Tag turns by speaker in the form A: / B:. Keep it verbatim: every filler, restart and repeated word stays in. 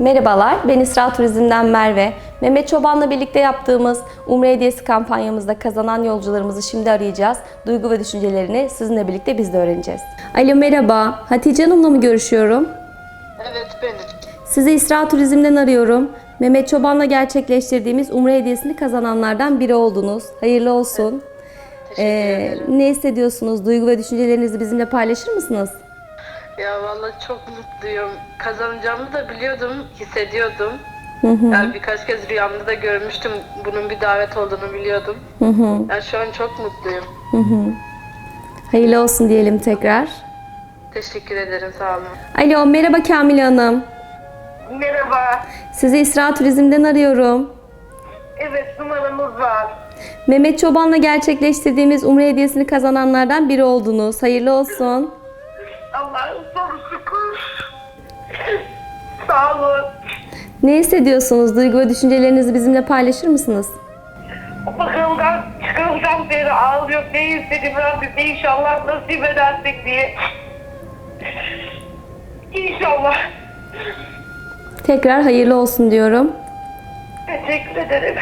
A: Merhabalar, ben İsra Turizm'den Merve. Mehmet Çoban'la birlikte yaptığımız Umre Hediyesi kampanyamızda kazanan yolcularımızı şimdi arayacağız. Duygu ve düşüncelerini sizinle birlikte biz de öğreneceğiz. Alo merhaba, Hatice Hanım'la mı görüşüyorum?
B: Evet benim.
A: Sizi İsra Turizm'den arıyorum. Mehmet Çoban'la gerçekleştirdiğimiz Umre Hediyesini kazananlardan biri oldunuz. Hayırlı olsun.
B: Teşekkür
A: Ee,
B: ederim.
A: ne hissediyorsunuz? Duygu ve düşüncelerinizi bizimle paylaşır mısınız?
B: Ya vallahi çok mutluyum. Kazanacağımı da biliyordum, hissediyordum.
A: Hı hı.
B: Yani birkaç kez rüyamda da görmüştüm. Bunun bir davet olduğunu biliyordum.
A: Hı hı.
B: Yani şu an çok mutluyum.
A: Hı hı. Hayırlı olsun diyelim tekrar.
B: Teşekkür ederim, sağ olun.
A: Alo merhaba Kamile Hanım.
C: Merhaba.
A: Sizi İsra Turizm'den arıyorum.
C: Evet, numaramız var.
A: Mehmet Çoban'la gerçekleştirdiğimiz Umre Hediyesini kazananlardan biri oldunuz. Hayırlı olsun.
C: Allah'ın sonu şükür. Sağ olun.
A: Ne hissediyorsunuz? Duygu ve düşüncelerinizi bizimle paylaşır mısınız?
C: Bakımdan çıkılacağım beri ağlıyor. Ne istedim Rabbim inşallah nasip edersek diye. İnşallah.
A: Tekrar hayırlı olsun diyorum.
C: Teşekkür ederim.